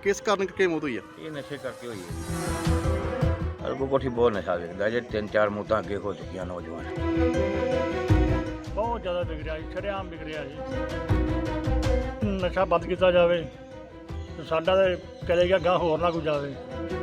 ਕਿਸ ਕਾਰਨ ਕਰਕੇ ਮੌਤ ਹੋਈ ਆ? ਇਹ ਨਸ਼ੇ ਕਰਕੇ ਹੋਈ ਹੈ। ਅਰਗੋ ਕੋਠੀ ਬਹੁਤ ਨਸ਼ਾ ਵਿਕਦਾ ਜੇ 3-4 ਮੌਤਾਂ ਅੱਗੇ ਹੋ ਚੁੱਕੀਆਂ ਨੌਜਵਾਨ। ਬਹੁਤ ਜ਼ਿਆਦਾ ਵਿਕ ਰਿਹਾ ਜੀ, ਸ਼ਰੇਆਮ ਵਿਕ ਰਿਹਾ ਜੀ। ਨਸ਼ਾ ਬੰਦ ਕੀਤਾ ਜਾਵੇ ਤੇ ਸਾਡਾ ਤਾਂ ਚਲੇ ਗਿਆ ਗਾਂ, ਹੋਰ ਨਾ ਕੋਈ ਜਾਵੇ।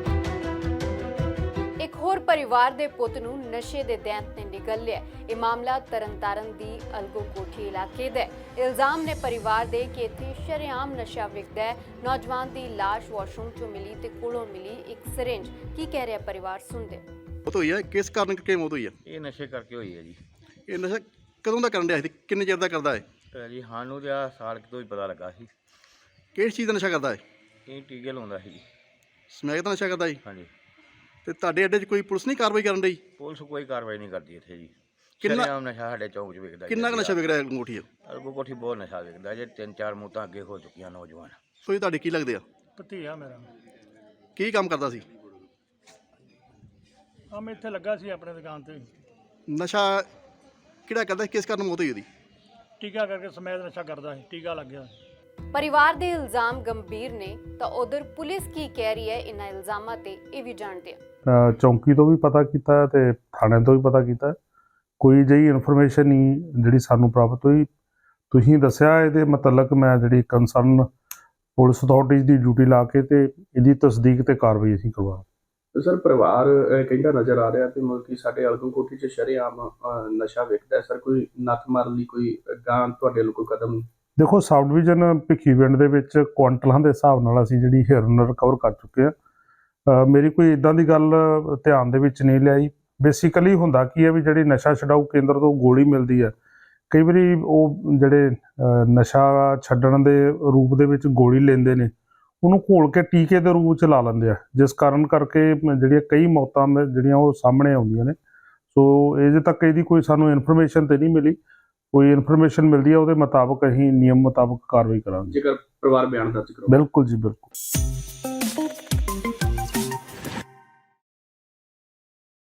ਇੱਕ ਹੋਰ ਪਰਿਵਾਰ ਦੇ ਪੁੱਤ ਨੂੰ ਨਸ਼ੇ ਦੇ ਦੈਂਤ ਨੇ ਨਿਗਲ ਲਿਆ। ਇਹ ਮਾਮਲਾ ਤਰਨਤਾਰਨ ਦੀ ਅਲਗੋ ਕੋਠੀ ਇਲਾਕੇ ਦਾ ਹੈ। ਇਲਜ਼ਾਮ ਨੇ ਪਰਿਵਾਰ ਦੇ ਕਿ ਇੱਥੇ ਸ਼ਰੇਆਮ ਨਸ਼ਾ ਵਿਕਦਾ ਹੈ। ਨੌਜਵਾਨ ਦੀ ਲਾਸ਼ ਵਾਸ਼ਰੂਮ ਚੋਂ ਮਿਲੀ ਤੇ ਕੋਲੋਂ ਮਿਲੀ ਇੱਕ ਸਿਰਿੰਜ। ਕੀ ਕਹਿ ਰਿਹਾ ਪਰਿਵਾਰ, ਸੁਣਦੇ। ਮੌਤ ਹੋਈ ਆ, ਕਿਸ ਕਾਰਨ ਕਰਕੇ ਮੌਤ ਹੋਈ ਆ? ਇਹ ਨਸ਼ੇ ਕਰਕੇ ਹੋਈ ਹੈ ਜੀ। ਇਹ ਨਸ਼ਾ ਕਦੋਂ ਦਾ ਕਰਨ ਡਿਆ ਸੀ? ਕਿੰਨੇ ਚਿਰ ਦਾ ਕਰਦਾ ਹੈ? ਜੀ ਸਾਨੂੰ ਤਾਂ ਸਾਲ ਕੁ ਤੋਂ ਹੀ ਪਤਾ ਲੱਗਾ ਸੀ। ਕਿਹੜੀ ਚੀਜ਼ ਦਾ ਨਸ਼ਾ ਕਰਦਾ ਹੈ? ਇਹ ਟੀਕੇ ਲਾਉਂਦਾ ਸੀ ਜੀ। ਸਮੈਕ ਦਾ ਨਸ਼ਾ ਕਰਦਾ ਹੈ? ਹਾਂਜੀ। ਤੇ ਤੁਹਾਡੇ ਅੱਡੇ 'ਚ ਕੋਈ ਪੁਲਿਸ ਨਹੀਂ ਕਾਰਵਾਈ ਕਰਨ ਡਈ? ਪੁਲਿਸ ਕੋਈ ਕਾਰਵਾਈ ਨਹੀਂ ਕਰਦੀ ਇੱਥੇ ਜੀ। ਕਿੰਨਾ- ਸ਼ਰੇਆਮ ਨਸ਼ਾ ਸਾਡੇ ਚੌਂਕ 'ਚ ਵਿਕਦਾ। ਕਿੰਨਾ ਕੁ ਨਸ਼ਾ ਵਿਕ ਰਿਹਾ ਅੰਗੂਠੀ ਆ? ਅਰਗੋ ਕੋਠੀ ਬਹੁਤ ਨਸ਼ਾ ਵਿਕਦਾ ਜੇ 3-4 ਮੌਤਾਂ ਅੱਗੇ ਹੋ ਚੁੱਕੀਆਂ ਨੌਜਵਾਨ। ਸੋ ਇਹ ਤੁਹਾਡੇ ਕੀ ਲੱਗਦੇ ਆ? ਭਤੀਆ ਮੇਰਾ ਕੀ ਕੰਮ ਕਰਦਾ ਸੀ? ਆ ਮੈਂ ਇੱਥੇ ਲੱਗਾ ਸੀ ਆਪਣੇ ਦੁਕਾਨ ਤੇ। ਨਸ਼ਾ ਕਿਹੜਾ ਕਰਦਾ ਸੀ? ਕਿਸ ਕਾਰਨ ਮੌਤ ਹੋਈ ਉਹਦੀ? ਟੀਕਾ ਕਰਕੇ ਸਮੈਦ ਨਸ਼ਾ ਕਰਦਾ ਸੀ, ਟੀਕਾ ਲੱਗ ਗਿਆ। ਪਰਿਵਾਰ ਦੇ ਇਲਜ਼ਾਮ ਗੰਭੀਰ ਨੇ ਤਾਂ ਉਧਰ ਪੁਲਿਸ ਕੀ ਕਹਿ ਰਹੀ ਹੈ ਇਹਨਾਂ ਇਲਜ਼ਾਮਾਂ ਤੇ, ਇਹ ਵੀ ਜਾਣਦੇ ਹਾਂ। ਚੌਂਕੀ ਤੋਂ ਵੀ ਪਤਾ ਕੀਤਾ ਤੇ ਥਾਣੇ ਤੋਂ ਵੀ ਪਤਾ ਕੀਤਾ। ਕੋਈ ਜਿਹੀ ਇਨਫੋਰਮੇਸ਼ਨ ਨਹੀਂ ਜਿਹੜੀ ਸਾਨੂੰ ਪ੍ਰਾਪਤ ਹੋਈ। ਤੁਸੀਂ ਦੱਸਿਆ ਇਹਦੇ ਮੁਤਲਕ ਮੈਂ ਜਿਹੜੀ ਕੰਸਰਨ ਪੁਲਿਸ ਅਥਾਰਟੀਜ਼ ਦੀ ਡਿਊਟੀ ਲਾ ਕੇ ਤੇ ਇਹਦੀ ਤਸਦੀਕ ਤੇ ਕਾਰਵਾਈ ਅਸੀਂ ਕਰਵਾ। ਸਰ ਪਰਿਵਾਰ ਕਹਿੰਦਾ ਨਜ਼ਰ ਆ ਰਿਹਾ ਤੇ ਮਤਲਬ ਕਿ ਸਾਡੇ ਅਲਗੋ ਕੋਠੀ 'ਚ ਸ਼ਰੇਆਮ ਨਸ਼ਾ ਵਿਕਦਾ। ਸਰ ਕੋਈ ਨੱਥ ਮਾਰਨ ਲਈ ਕੋਈ ਗਾਂ ਤੁਹਾਡੇ ਵੱਲੋਂ ਕੋਈ ਕਦਮ? ਦੇਖੋ, ਸਬ ਡਿਵੀਜ਼ਨ ਭਿੱਖੀਵਿੰਡ ਦੇ ਵਿੱਚ ਕੁਆਂਟਲਾਂ ਦੇ ਹਿਸਾਬ ਨਾਲ ਅਸੀਂ ਜਿਹੜੀ ਹਿਰਨ ਰਿਕਵਰ ਕਰ ਚੁੱਕੇ ਆ। ਮੇਰੀ ਕੋਈ ਇਦਾਂ ਦੀ ਗੱਲ ਧਿਆਨ ਦੇ ਵਿੱਚ ਨਹੀਂ ਲਿਆਈ। ਬੇਸਿਕਲੀ ਹੁੰਦਾ ਕੀ ਹੈ ਵੀ ਜਿਹੜੀ ਨਸ਼ਾ ਛਡਾਊ ਕੇਂਦਰ ਤੋਂ ਗੋਲੀ ਮਿਲਦੀ ਹੈ, ਕਈ ਵਾਰੀ ਉਹ ਜਿਹੜੇ ਨਸ਼ਾ ਛੱਡਣ ਦੇ ਰੂਪ ਦੇ ਵਿੱਚ ਗੋਲੀ ਲੈਂਦੇ ਨੇ, ਉਹਨੂੰ ਘੋਲ ਕੇ ਟੀਕੇ ਦੇ ਰੂਪ 'ਚ ਲਾ ਲੈਂਦੇ ਆ, ਜਿਸ ਕਾਰਨ ਕਰਕੇ ਜਿਹੜੀਆਂ ਕਈ ਮੌਤਾਂ ਜਿਹੜੀਆਂ ਉਹ ਸਾਹਮਣੇ ਆਉਂਦੀਆਂ ਨੇ। ਸੋ ਅਜੇ ਤੱਕ ਇਹਦੀ ਕੋਈ ਸਾਨੂੰ ਇਨਫੋਰਮੇਸ਼ਨ ਤੇ ਨਹੀਂ ਮਿਲੀ। ਕੋਈ ਇਨਫੋਰਮੇਸ਼ਨ ਮਿਲਦੀ ਹੈ ਉਹਦੇ ਮੁਤਾਬਕ ਅਸੀਂ ਨਿਯਮ ਮੁਤਾਬਕ ਕਾਰਵਾਈ ਕਰਾਂਗੇ। ਜੇਕਰ ਪਰਿਵਾਰ ਬਿਆਨ ਦਰਜ ਕਰੋ। ਬਿਲਕੁਲ ਜੀ, ਬਿਲਕੁਲ।